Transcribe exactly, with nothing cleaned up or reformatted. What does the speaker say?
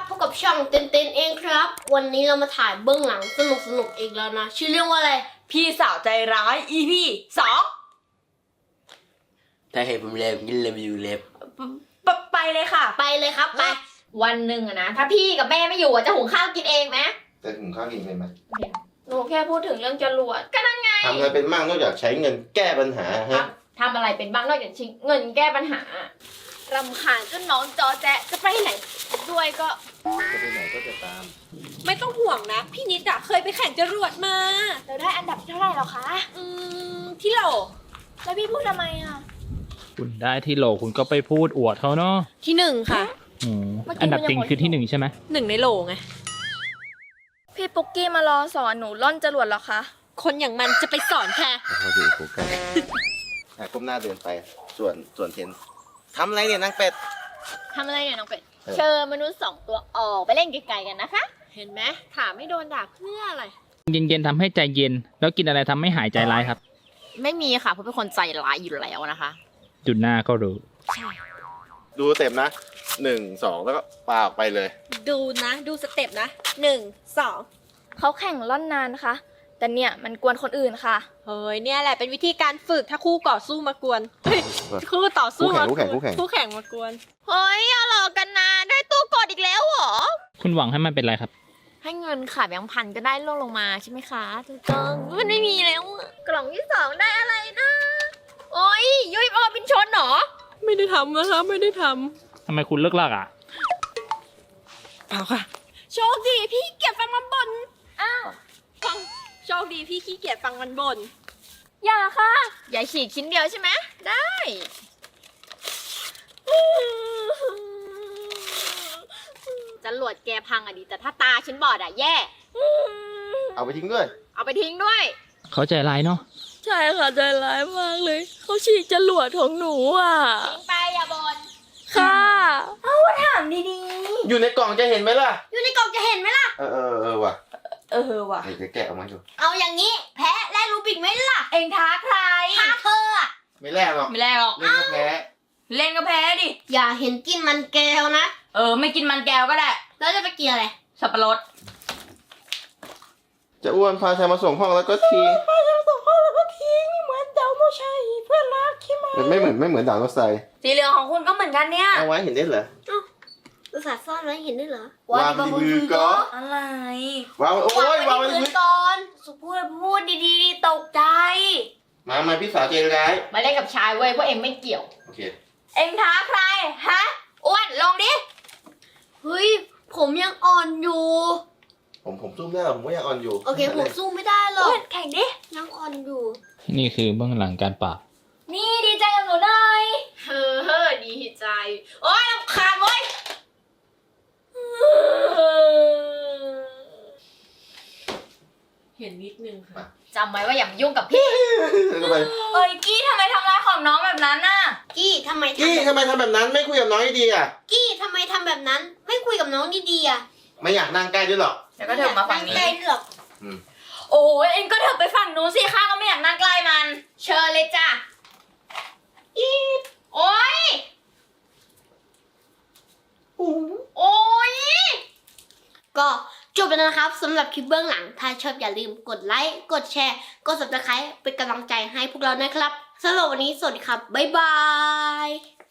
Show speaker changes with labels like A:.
A: พบกับช่องเต้นเต้นเองครับวันนี้เรามาถ่ายเบื้องหลังสนุกสนุกอีกแล้วนะชื่อเรื่องว่าอะไร
B: พี่สาวใจร้าย อี พี สอง
C: ถ้าเห็นผมเล็บกินเล็บอยู่เล็บ
B: ปไปเลยค่ะ
A: ไปเลยครับไป
B: วันหนึ่งอะนะถ้าพี่กับแม่ไม่อยู่อะจะหุงข้าวกินเองไหม
D: จะหุงข้าวกินเป็นไหม
B: หนูแค่พูดถึงเรื่องจรวดก็นั่นไง
D: ทำอะไรเป็นมั่งนอกจากใช้เงินแก้ปัญหาฮะ
B: ทำอะไรเป็นบ้างนอกจากชิงเงินแก้ปัญหารำคาญจนน้องจอแจ๊ะจะไปไหนด้วยก็
D: จะไปไหนก็จะตาม
E: ไม่ต้องห่วงนะ พี่นิดอะเคยไปแข่งจรวดมา
B: เราได้อันดับเท่าไหร่หรอคะ
E: อืมที่โหล
B: แล้วพี่พูดทำไมอะ
F: คุณได้ที่โหลคุณก็ไปพูดอวดเขาเนาะ
E: ที่หนึ่งค่ะ
F: อืมอันดับจริงคือที่หนึ่งใช่ไหม
E: หนึ่งในโหลไง
G: พี่ปุ๊กกี้มารอสอนหนูล่อนจรวดเหรอคะ
E: คนอย่างมันจะไปสอนค่ะ
D: พอดีโฟกัสอ่ะก้มหน้าเดินไป ส่วนส่วนเทนทำอะไรเนี่ยนางเป็ด
B: ทำอะไรเนี่ยน้องเป็ด
D: เออ
B: เชิญมนุษย์สองตัวออกไปเล่นไกลๆกันนะคะ
E: เห็นไหมถามไม่โดนด่าเพื่ออะไร
F: เย็นๆทำให้ใจเย็น แล้วกินอะไรทำให้หายใจร้ายครับ
B: ไม่มีค่ะเพราะเป็นคนใจร้ายอยู่แล้วนะคะ
F: จุดหน้าก็รู้
D: ดูเต็มนะหนึ่งสองแล้วก็ปาออกไปเลย
E: ดูนะ ดูสเต็ปนะหนึ่งสอง
G: เขาแข่งล่อนนานนะคะ แต่เนี่ยมันกวนคนอื่นค่ะ
E: เฮ้ยเนี่ยแหละเป็นวิธีการฝึกถ้าคู่ต่อสู้มากวนเฮ้ยคู่ต่อสู้มากวน
D: คู่แข่งคู่แข่ง
E: คู่แข่งมากวน
B: เฮ้ยอย่าหลอกกันนะได้ตู้กดอีกแล้วเหรอ
F: คุณหวังให้มันเป็นอะไรครับ
B: ให้เงินค่ะแบงค์พันก็ได้ลงลงมาใช่ไหมคะถูกต้องมันไม่มีแล้วอะกล่องที่สองได้อะไรนะโอ้ยยุยออบินชนเหรอ
E: ไม่ได้ทำนะคะไม่ได้ท
F: ทำไมคุณเลิกลากอ่ะ
E: ำเปล่าค่ะ โชคดีพี่เกียจฟังมันบ่นอ้าวฟังโชคดีพี่ขี้เกียจฟังมันบ่น
B: อย่าค่ะ อย่าฉีกชิ้นเดียวใช่ไหมได้จรวดแกพังอะดีแต่ถ้าตาฉันบอดอะแย่
D: เอาไปทิ้งด้วย
B: เอาไปทิ้งด้วย
F: เขาใจร้ายเนาะ
G: ใช่ค่ะใจร้ายมากเลย เขาฉีกจรวดของหนูอ่ะ
B: ทิ้งไปอย่าบน
G: ค่ะ
B: ถามดี
D: อยู่ในกล่องจะเห็นไหมล่ะ
A: อยู่ในกล่องจะเห็นไหมล่ะ
D: เออเออเออว่ะ
B: เออว่ะ
D: เดี๋ยวแกะออกมาดู
A: เอาอย่างนี้แพ้และรูบิกไหมล่ะ
B: เองท้าใคร
A: ท้าเธออะ
D: ไม่แลกหรอก
B: ไม่แลกหรอก
D: เล่นก็แพ้
B: เล่นก็แพ้ดิ
A: อย่าเห็นกินมันแก้วนะ
B: เออไม่กินมันแก้วก็ได้
A: แล้วจะไปกินอะไร
B: สับปะรด
D: จะอ้วนพาชายมาส่งห้องแล้วก็ทิ้งมันไม่เหมือนไม่เหมือนด่างรถไฟ
B: สีเหลืองของคุณก็เหมือนกันเนี่ย
D: เอาไว้เห็นได้เหรอ
A: อุตส่าห์ซ่อนไว้เห็นด้วยเหรอ
D: วางที่มือก่อน
B: อะไร
D: วางไว้โอ้ยวางไว้
A: พื้
D: พื้
A: น
D: น
A: ก่อน
B: สุพูดพูดดีๆตกใจ
D: มามาพี่สาวใจร้าย
B: มาเล่นกับชายเว้ยเพราะเองไม่เกี่ยว
D: โอเค
B: เองท้าใคร ฮะ อ้วนลงดิ
A: เฮ้ยผมยังอ่อนอยู่
D: ผมผมซุ่มได้หรอผมก็ยังอ่อนอยู่
A: โอเคผมสู้ไม่ได้หรอก
B: แข่งดิ
A: ยังอ่อนอยู่
F: นี่คือเบื้องหลังการปราบ
B: นี่ดีใจกับหนูหน่อยเฮ้อเฮ้อดีใจ โอ๊ยรำคาญเว้ย
E: เห็นนิดนึงค่ะ
B: จำไว้ว่าอย่ามายุ่งกับพี่
D: ทำไม
B: เอ้ยกี้ทำไมทำร้ายของน้องแบบนั้นน่ะ
A: กี้ทำไม
D: กี้
A: ทำ
D: ทำไมทำแบบนั้นไม่คุยกับน้องดีๆอ่ะ
A: กี้ทำไมทำแบบนั้น ไม่คุยกับน้องดีๆอ่ะ
D: ไม่อยากนั่งใกล้ด้วยหรอก
B: เดี๋ยวก็เถิบมาฝั่งนี้
A: ใกล้ๆหรอก
B: โอ้ยเอ็งก็เถิบไปฝั่งนู้นสิข้าก็ไม่อยากนั่งใกล้มัน เชิญเลยจ้ะอีบโอ้ยโอ้ย
A: ก็จบแล้วนะครับสำหรับคลิปเบื้องหลัง ถ้าชอบอย่าลืมกดไลค์ กดแชร์ กด ซับสไครบ์ เป็นกำลังใจให้พวกเรานะครับสำหรับวันนี้สวัสดีครับ บ๊ายบาย